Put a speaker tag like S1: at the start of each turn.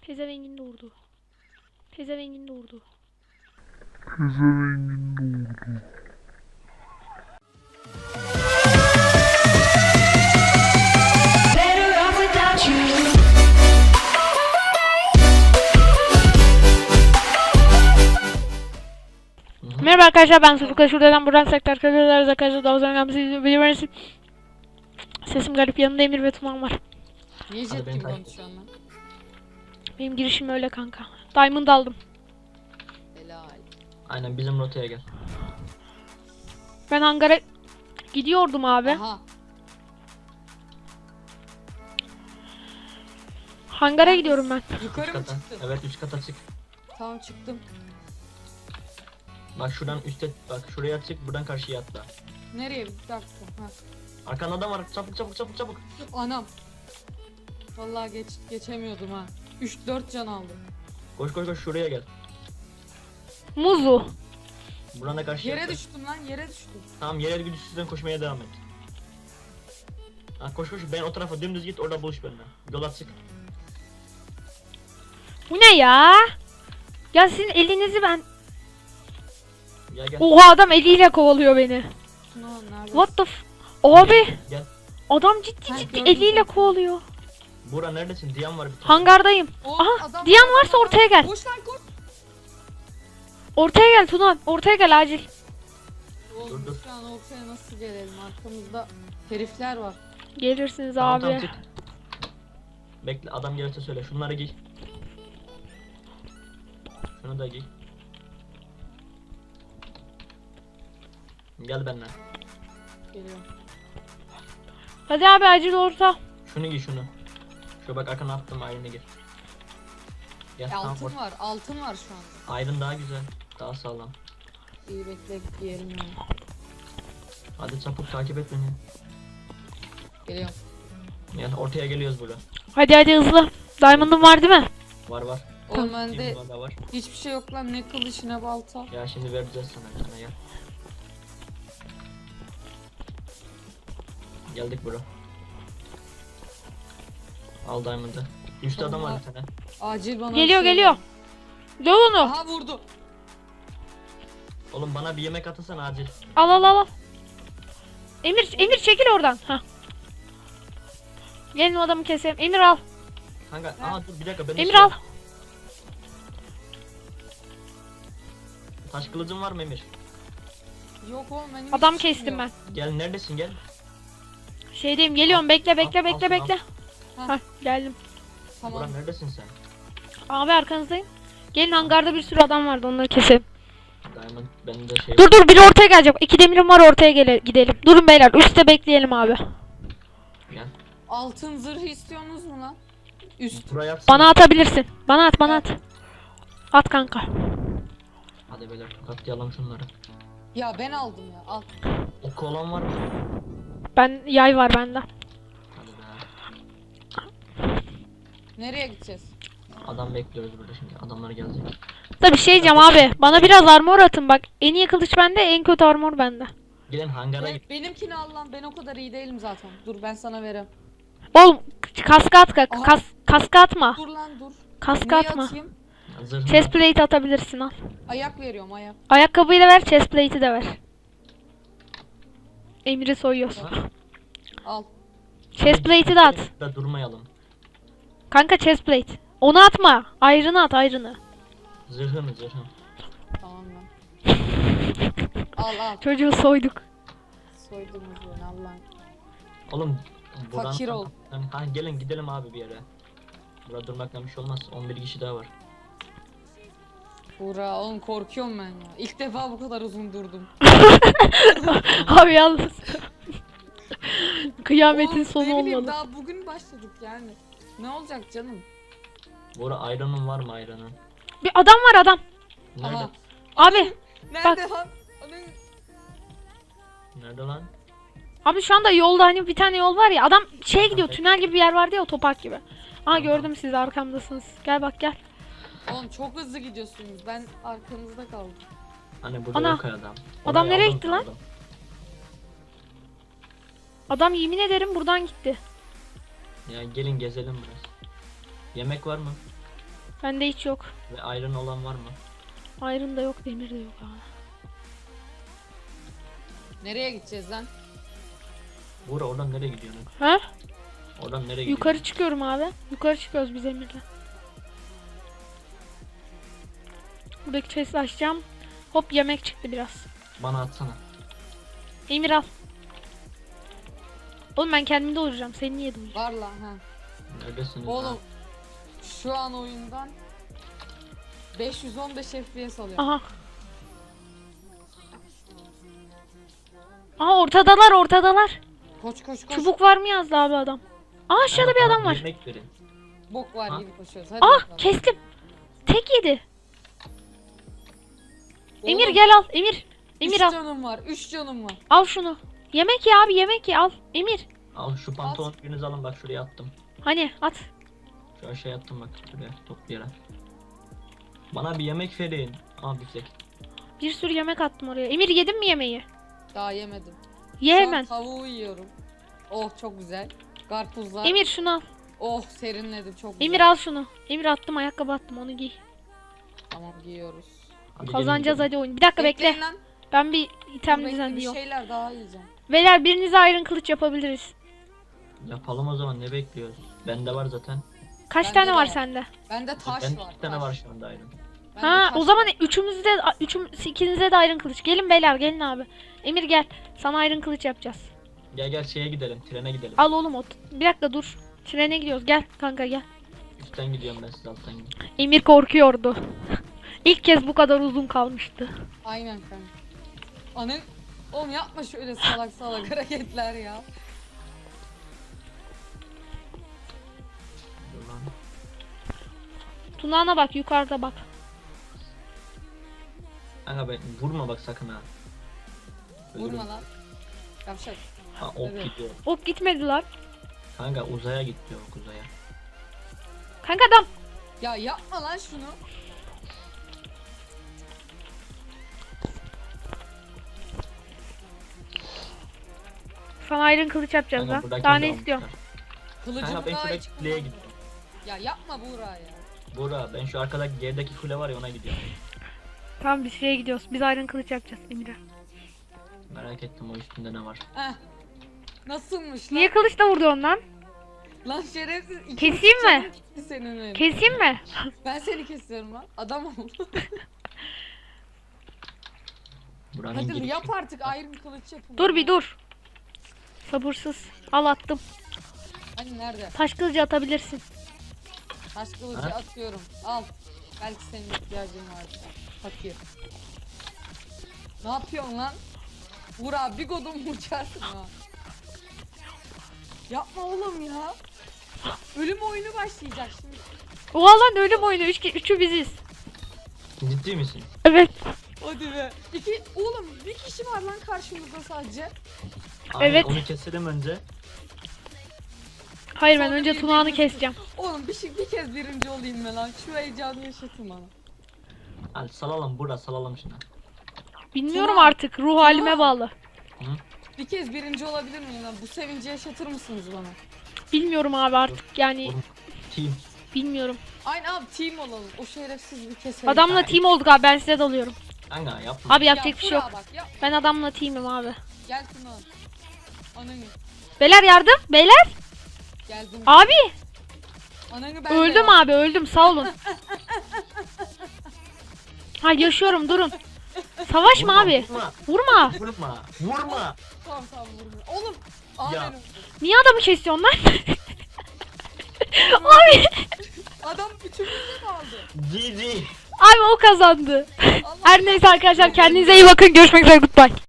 S1: Pezevengin doğurdu. Pezevengin doğurdu. Merhaba arkadaşlar, ben Sırfık'a şuradan buradan sektör kırıyorlar arkadaşlar. Daha sonra biliyorsunuz. Sesim garip, yanımda Emir ve Tuman var.
S2: Niye jet gibi konuşuyorsun lan?
S1: Benim girişim öyle kanka. Diamond aldım.
S2: Helal.
S3: Aynen bizim rotaya gel.
S1: Ben hangara gidiyordum abi.
S2: Aha.
S1: Hangara gidiyorum ben.
S2: Yukarı
S3: Üç
S2: mı
S3: kata.
S2: çıktın?
S3: Evet 3 kata çık.
S2: Tamam çıktım.
S3: Bak şuradan üstte bak şuraya çık buradan karşıya atla.
S2: Nereye? Bir dakika. Ha.
S3: Arkanda adam var çabuk çabuk çabuk çabuk.
S2: Anam. Vallahi geçemiyordum ha. 3-4 can aldım.
S3: Koş koş koş şuraya gel.
S1: Muzu.
S3: Buradan da karşıya
S2: Yere
S3: atla.
S2: düştüm lan, yere düştüm.
S3: Tamam yerel güdüsüzden koşmaya devam et. Ha, koş koş ben o tarafa dümdüz git orada buluş benimle. Yola çık.
S1: Bu ne ya? Ya sizin elinizi ben...
S3: Gel gel.
S1: Oha, adam eliyle kovalıyor beni.
S2: No, nerede?
S1: What the f... Abi.
S3: Gel.
S1: Adam ciddi
S2: Ha,
S1: ciddi
S2: gördüm
S1: eliyle
S2: zaten.
S1: kovalıyor.
S3: Bura neredesin? Diyan var bir tane.
S1: Hangardayım.
S2: Oh,
S1: Aha,
S2: adam
S1: Diyan
S2: var,
S1: varsa
S2: adam var.
S1: ortaya gel.
S2: Koş lan koş.
S1: Ortaya gel Tunan. Ortaya gel acil.
S2: Oğlum
S3: Dur.
S2: şu an ortaya nasıl gelelim? Arkamızda herifler var.
S1: Gelirsiniz
S3: Tamam,
S1: abi.
S3: tamam, çık. Bekle adam gelirse söyle şunları giy. Şunu da giy. Gel benimle.
S2: Geliyorum.
S1: Hadi abi acil orta.
S3: Şunu giy şunu. Şu bak arkana attım ayrını gir. Gel tamam
S2: Altın var, altın var şu an.
S3: ayrın daha güzel. Daha sağlam.
S2: İyi bekle giyelim yani.
S3: Hadi çabuk takip et beni.
S2: Geliyorum.
S3: Yani ortaya geliyoruz burada.
S1: Hadi hadi hızlı. Diamond'ın var değil mi?
S3: Var var.
S2: Oğlum bende
S3: Kim da var.
S2: hiçbir şey yok lan, ne kılıç ne balta.
S3: Ya şimdi vereceğiz sana gel. Geldik bro. Al diamond'ı. Üstte adam var bir tane.
S2: Acil bana
S1: Geliyor
S2: bir şey
S1: geliyor.
S2: ver.
S1: Döv onu.
S2: Aha vurdu.
S3: Oğlum bana bir yemek atasana acil.
S1: Al al al. Emir çekil oradan. Hah. Gelin o adamı keselim. Emir al.
S3: Kanka aha dur bir dakika ben
S1: Emir al.
S3: Taş kılıcın var mı Emir?
S2: Yok oğlum benim
S1: Adam
S2: hiçbir şeyim
S1: kestim ben.
S2: yok.
S3: Gel neredesin gel.
S1: Şeydeyim, geliyorum. Bekle bekle
S3: Al,
S1: bekle
S3: al,
S1: bekle.
S2: al.
S1: Hah, geldim.
S2: Tamam.
S3: Buran neredesin sen?
S1: Abi arkanızdayım. Gelin, hangarda bir sürü adam vardı, onları keselim.
S3: Diamond benim de şey.
S1: Dur biri ortaya gelecek. 2 demirim var, ortaya gidelim. Durun beyler, üstte bekleyelim abi.
S3: Gel.
S2: Altın zırhı istiyorsunuz mu lan? Üst.
S3: Buraya atsana.
S1: Bana atabilirsin. Bana at. At kanka.
S3: Hadi beyler tokatlayalım şunları.
S2: Ya ben aldım ya, al.
S3: Oku olan var mı?
S1: Ben yay var bende.
S3: Hadi be.
S2: Nereye gideceğiz?
S3: Adam bekliyoruz burada şimdi. Adamlar gelecek.
S1: Tabii şey diyeceğim abi. Bana biraz armor atın bak. En iyi kılıç bende, en kötü armor bende.
S3: Gelin hangara git.
S2: Benimkini al lan, ben o kadar iyi değilim zaten. Dur ben sana vereyim.
S1: Oğlum kaska at
S2: Aha.
S1: kaska atma.
S2: Dur lan dur.
S1: Kaska
S2: Neyi
S1: atma.
S2: atayım?
S3: Zırhını
S1: Chest plate atabilirsin al.
S2: Ayak veriyorum ayak.
S1: Ayakkabıyı da ver, chest plate'i de ver. Emir'i soyuyoruz.
S2: Al.
S1: Chest plate'i de at.
S3: Da durmayalım.
S1: Kanka chest plate. Onu atma. Ayrını at, ayrını.
S3: Zırhını.
S2: Tamam lan. Al.
S1: Çocuğu soyduk.
S2: Soydunuz beni Allah'ım.
S3: Oğlum.
S2: Fakir ol.
S3: Ha, gelin gidelim abi bir yere. Burada durmakla bir şey olmaz. 11 kişi daha var.
S2: Buğra oğlum korkuyorum ben ya. İlk defa bu kadar uzun durdum.
S1: Abi yalnız. Kıyametin
S2: Oğlum,
S1: sonu
S2: ne bileyim,
S1: olmalı.
S2: daha bugün başladık yani. Ne olacak canım?
S3: Bora ayranın var mı ayranın?
S1: Bir adam var, adam.
S3: Nerede?
S2: Aha.
S1: Abi.
S2: Nerede lan?
S3: Nerede lan?
S1: Abi şu anda yolda, hani bir tane yol var ya. Adam şeye gidiyor, tünel gibi bir yer vardı ya, otopark gibi. Aa, gördüm sizi, arkamdasınız. Gel bak gel.
S2: Oğlum çok hızlı gidiyorsunuz. Ben arkanızda kaldım.
S3: Hani burada
S1: Ana.
S3: yok adam.
S1: Adam
S3: Orayı
S1: nereye
S3: aldım,
S1: gitti lan?
S3: aldım.
S1: Adam yemin ederim buradan gitti.
S3: Ya gelin gezelim biraz. Yemek var mı?
S1: Bende hiç yok.
S3: Ve iron olan var mı?
S1: Iron da yok, demir de yok abi.
S2: Nereye gideceğiz lan?
S3: Buğra oradan nereye gidiyorsun?
S1: Ha?
S3: Oradan nereye gidiyorsun?
S1: Yukarı çıkıyorum abi. Yukarı çıkıyoruz biz Emir'le. Buradaki chest'i açacağım. Hop, yemek çıktı biraz.
S3: Bana atsana.
S1: Emir al. Oğlum ben kendim doyuracağım. Seni niye doyuracağım?
S2: Var lan ha.
S3: Neredesiniz
S2: Oğlum
S3: lan?
S2: şu an oyundan 515 FPS alıyor.
S1: Aha. Aha, ortadalar.
S2: Koş koş koş.
S1: Çubuk var mı yazdı abi adam. Aa, aşağıda bir
S3: Bana
S1: adam var.
S3: Yemek verin.
S2: Bok var
S3: Ha?
S2: gibi koşuyoruz. Hadi
S1: Ah,
S2: bakalım.
S1: kestim. Tek yedi. Emir
S2: Oğlum,
S1: gel al. Emir. Emir
S2: 3
S1: al.
S2: canım var. 3 canım var.
S1: Al şunu. Yemek ye abi, yemek ye, al. Emir.
S3: Al şu pantolon biriniz alın, bak şuraya attım.
S1: Hani at.
S3: Şu aşağıya attım bak şuraya toplayarak. Bana bir yemek verin. Aa biftek.
S1: Bir sürü yemek attım oraya. Emir, yedin mi yemeği?
S2: Daha yemedim.
S1: Ye
S2: Şu an
S1: hemen.
S2: tavuğu yiyorum. Oh çok güzel. Karpuzlar.
S1: Emir şunu al.
S2: Oh serinledim çok güzel.
S1: Emir al şunu. Emir attım, ayakkabı attım, onu giy.
S2: Tamam giyiyoruz.
S3: Hadi
S1: Kazanacağız
S3: gelin,
S1: hadi oyun. Bir dakika
S2: Bekleyin
S1: bekle.
S2: lan.
S1: Ben bir item
S2: Bekle, bir
S1: düzenliyorum.
S2: şeyler daha yiyeceğim.
S1: Beyler, birinize iron kılıç yapabiliriz.
S3: gelin. Yapalım o zaman, ne bekliyoruz? Bende var zaten.
S1: Kaç
S2: Bende
S1: tane
S2: de
S1: var
S2: var.
S1: sende?
S2: Bende taş
S3: Bende
S2: var.
S3: 2 tane
S2: taş.
S3: var şu anda iron.
S2: Bende
S1: Ha,
S2: taş
S1: o zaman
S2: var.
S1: ikinize de iron kılıç. Gelin beyler, gelin abi. Emir gel. Sana iron kılıç yapacağız.
S3: Gel şeye gidelim, trene gidelim.
S1: Al oğlum ot. Bir dakika dur. Trene gidiyoruz. Gel kanka gel.
S3: Üstten gidiyorum ben, siz alttan gidin.
S1: Emir korkuyordu. İlk kez bu kadar uzun kalmıştı.
S2: Aynen kanka. Anı... Oğlum yapma şöyle salak salak hareketler ya.
S3: Dur lan.
S1: Tunağına bak, yukarıda bak.
S3: Kanka ben vurma bak sakın ha. Ölürüm.
S2: Vurma lan. Yavşak.
S3: Ha ok
S2: Evet.
S3: gidiyor.
S1: Ok gitmedi lan.
S3: Kanka uzaya git diyor, ok uzaya.
S1: Kanka adam.
S2: Ya yapma lan şunu.
S1: Sana iron kılıç yapacağız
S3: Kanka
S1: lan.
S3: buradaki
S1: Daha ne
S3: de
S1: istiyorsun?
S3: almışlar.
S2: Kılıcım
S3: Kanka ben
S2: daha
S3: şuradaki
S2: hiç
S3: kuleye
S2: kullanmadım.
S3: gittim.
S2: Ya yapma Buğra ya.
S3: Buğra ben şu arkadaki gerideki kule var ya, ona gidiyorum.
S1: Tamam, biz şeye gidiyoruz. Biz iron kılıç yapacağız Emir'e.
S3: Merak ettim o üstünde ne var.
S2: Heh. Nasılmış lan?
S1: Niye kılıçla vurdu lan?
S2: Lan şerefsiz. iki
S1: Keseyim mi?
S2: canım gitti senin öyle.
S1: Keseyim mi?
S2: Ben seni kesiyorum lan. Adam ol.
S3: Buranın
S2: Hadi
S3: girişi.
S2: yap artık ayrım kılıç yapın.
S1: Dur bir dur. Sabırsız. Al attım.
S2: Hani nerede?
S1: Taş kılıcı atabilirsin.
S2: Taş kılıcı
S3: Ha?
S2: atıyorum. Al. Belki senin ihtiyacın vardır. Fakir. Ne yapıyorsun lan? Buğra bir godum uçarsın ha. Yapma oğlum ya. Ölüm oyunu başlayacak şimdi.
S1: Oha lan, ölüm oyunu. Üçü biziz.
S3: Ciddi misin?
S1: Evet.
S2: Hadi be. Oğlum bir kişi var lan karşımızda sadece.
S3: Aynen,
S1: Evet.
S3: onu keselim önce.
S1: Hayır, ben
S2: Sonra
S1: önce
S2: bir-
S1: tunağını
S2: bir-
S1: keseceğim.
S2: Oğlum bir kez birinci olayım mı lan? Şu heyecanı yaşatın bana.
S3: Hadi salalım Buğra, salalım şunu.
S1: Bilmiyorum
S2: Tuna.
S1: artık. Ruh halime
S2: Tuna.
S1: bağlı.
S2: Bir kez birinci olabilir miyim lan? Bu sevinci yaşatır mısınız bana?
S1: Bilmiyorum abi artık yani.
S3: Vurma. Team.
S1: Bilmiyorum.
S2: Aynı abi team olalım. O şerefsiz bir keselim.
S1: Adamla team olduk abi, ben size dalıyorum.
S3: Kanka yapma.
S1: Abi yapacak bir şey yok.
S2: Bak, yap.
S1: Ben adamla teamim abi.
S2: Gel Tuna. Ananı.
S1: Beyler yardım. Beyler.
S2: Geldim.
S1: Abi.
S2: Ananı ben
S1: Öldüm abi, öldüm, sağ olun. Ha, yaşıyorum, durun. Savaşma
S3: Vurma,
S1: abi.
S3: Vurma.
S1: Vurma.
S3: Vurma. Vurma.
S2: Tamam vurma. Oğlum. Aa
S3: Ya.
S2: ben öldüm.
S1: Niye adamı kesiyorsun lan? Abi.
S2: Adam bütünümüzü mü aldı?
S3: GG.
S1: Abi o kazandı.
S2: Allah
S1: Her neyse arkadaşlar, kendinize iyi bakın. Görüşmek üzere. Goodbye.